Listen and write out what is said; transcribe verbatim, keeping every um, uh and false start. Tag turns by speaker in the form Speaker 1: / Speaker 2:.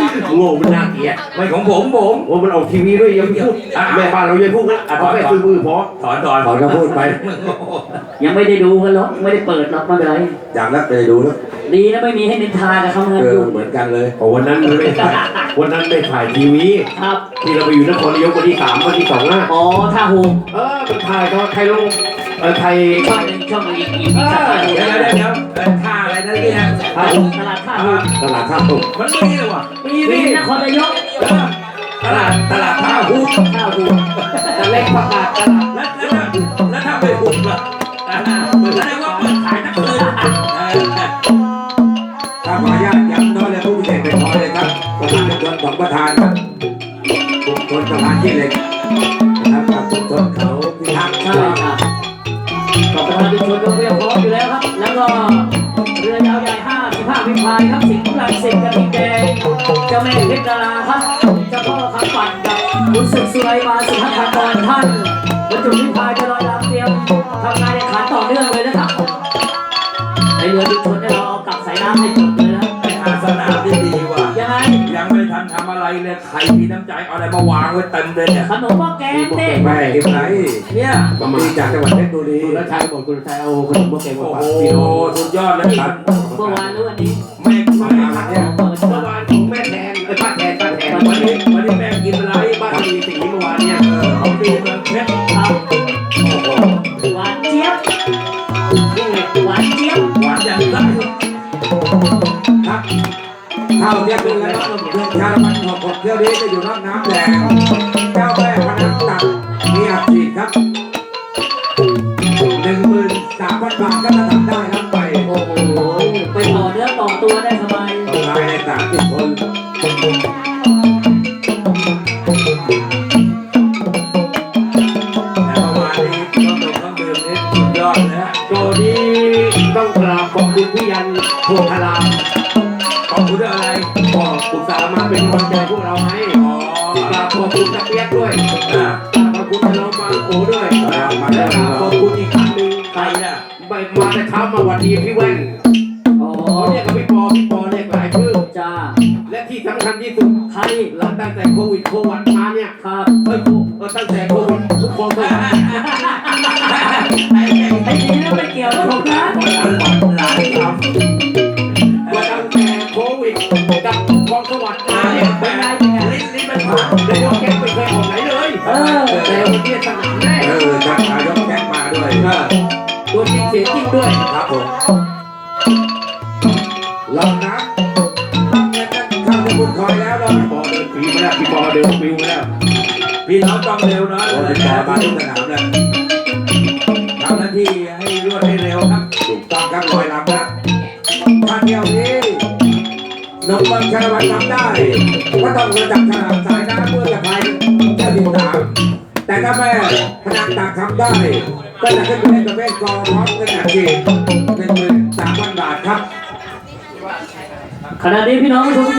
Speaker 1: โง่มันน่าเกลียด
Speaker 2: ไม่ของผมผม
Speaker 1: โอ้มันออกทีวีด้วยยังพูดแม่บ้านเรายังพูดนะถอนแค่ซื้อมือพอ
Speaker 2: ถอนถอน
Speaker 1: ถอนก็พูดไป
Speaker 3: ยังไม่ได้ดูกันหรอกไม่ได้เปิดหรอกไม่เป็นไร
Speaker 1: จากนั้นไปดูแล้ว
Speaker 3: ดีนะไม่มีให้นินทากับเขาเงินอยู่
Speaker 1: เหมือนกันเลยโอ้วันนั้นไม่ถ่ายวันนั้นไม่ถ่ายทีวี
Speaker 3: ครับ
Speaker 1: ที่เราไปอยู่นครนายกวันที่สามวันที่สองนะ
Speaker 3: อ๋อท่าหู
Speaker 1: เออมันถ่ายก็ใครลงเออไทย
Speaker 3: ช่องหนึ่งช่องอีกอีกอีก
Speaker 2: เดี๋ยวเดี๋ยวเดี๋ยวท่าอะไรนั่นนี่ฮะ
Speaker 3: ตลาดท่าหู
Speaker 1: ตลาดท่าหู
Speaker 2: มันมีเลยว่ะ
Speaker 3: มีมีนครนายก
Speaker 2: ตลาดตลาดท่าหู
Speaker 3: ท่าหู
Speaker 1: ตะเล็กประกาศตลาด
Speaker 2: แล้วแล้วแล้วถ้าไปหุบล่ะแสดงว่าเปิดขายทั้งคืน
Speaker 1: ถ้าขออนุญาตย้ำน้อยเลยผู้พิเศษเป็นพอเลยครับประธานชนของประธานครับชุมชนประธานที่เล็กนะครับกับชุมชนเขาพิทักษ์
Speaker 3: ใช่ครับต่อประธานชุมชนก็เพียงพร้อมอยู่แล้วครับแล้วก็เรือยาวใหญ่ห้าสิบห้าพิพายครับสิงห์หลังสิงห์กระทิงแดงเจ้าแม่เพชรดาราครับเจ้าพ่อคำปั่นกับบุญศึกสุไรมาสุภัทรกรท่านบรรจุพิพายจะลอยลำเตรียมทำงานแข่งขันต่อเนื่องเลยนะครับในเรือชุมชนเนี่ยเราเอากลับสายน้ำให้จบเลยนะ
Speaker 2: เป็นอาสนะที่ดีว่ะ
Speaker 3: ยังไง
Speaker 2: ยังไม่ทันทำอะไรเลยใครมีน้ำใจเอาอะไรมาวางไว้เต็มเลยเนี่ย
Speaker 3: ขนมหม้อแกงเต้
Speaker 1: ไม่เก็บไหน
Speaker 2: เนี่ย
Speaker 1: ประมาณจากจังหวัดเพชรบุรีสุรชัยบอกสุรชัยเอาขนมหม้อแกงมาฝากพี่น้อง
Speaker 2: สุดยอดเลยครับ
Speaker 3: เมื่อวานหรือวันนี้
Speaker 2: แม่ไม่
Speaker 1: มาเนี่ยเมื่อวานของแม่แทนไอ้ป้าแทนป้าแทน
Speaker 2: วันนี้วันนี้แม่กินอะไร
Speaker 1: บ้านมีสีเมื่อวานเนี่ย
Speaker 2: เขาดีเมืองเพชร
Speaker 3: ครับหวานเจี๊ยบหวานเจี๊ยบ
Speaker 2: หวานอย่างไร
Speaker 1: ครับข้าวเทียบเป็นแล้วเรื่องชาละมันหกหกเที่ยวนี้จะอยู่นอกน้ำแดงเจ้าแม่พนักตักมีอัดฉีดครับหนึ่งหมื่นสามพันบาทก็จะทำได้ครับไป
Speaker 3: โอ้โหไปต่อเนื้อต่อตัวได้สบาย
Speaker 1: ต่อไปในสามสิบคนโจนี้ต้องกราบขอบคุณพี่ยันโพธาราม
Speaker 2: ขอบคุณอะไร
Speaker 1: ก็อุตส่าห์มาเป็นกำลังใจพวกเราให้อ๋อกราบขอบคุณตะเปียกด้วยอ่ากราบขอบคุณน้องมาโอด้วยและกราบขอบคุณอีกครั้งหนึ่ง
Speaker 2: ใครเนี่ย
Speaker 1: ไปมาแต่เช้ามาวันดีพี่แว่นอ๋อเรียกกับพี่ปอพี่ปอเรียกหลายชื่อ
Speaker 3: จ้า
Speaker 1: และที่สำคัญที่สุด
Speaker 3: ใคร
Speaker 1: หลังตั้งแต่โควิดโควิดมาเนี่ย
Speaker 3: ครับ
Speaker 1: เฮ้ยเออตั้งแต่โควิดทุกคนเลย
Speaker 3: ไอ้นี่นั่นไม่เกี่ยวกับผมนะ
Speaker 2: หลายคำ
Speaker 1: ว่าตั้งแต่โควิดกับคองสวัสดิ์มาเนี่ย
Speaker 3: เป็นไงเป็นไง
Speaker 1: ลิ้นลิ้นมันผ่านนายกแก๊งไม่เคยออกไหนเลยเออแต่วันนี้สนามแน่เออจัดนายกแก๊งมาด้วยตัวจริงเสียจริงด้วยครับผมลองนะตั้งเงินกันเข้าที่คุณคอยแล้วเราพี่ปอเดินปีมาแล้วพี่ปอเดินปิวมาแล้ว
Speaker 2: พี่น้องต้องเร็วนะ
Speaker 1: เลยปอมาทุกสนามแล้ว
Speaker 2: ทำหน้าที่ให้รวดให้เร็วครับ
Speaker 1: ถูกต้องครับลอยลำนะถ้าเที่ยวนี้นกบังชาวันทำได้ก็ต้องมาจับฉลากสายน้ำเพื่อจะไปเที่ยวที่สามแต่ถ้าแม่พนักตักทำได้ก็จะขึ้นไปเล่นประเภทกอล์ฟพร้อมเงินอัดฉีดหนึ่งหมื่นสามพันบาทครับ
Speaker 3: ขณะนี้พี่น้องผู้ชม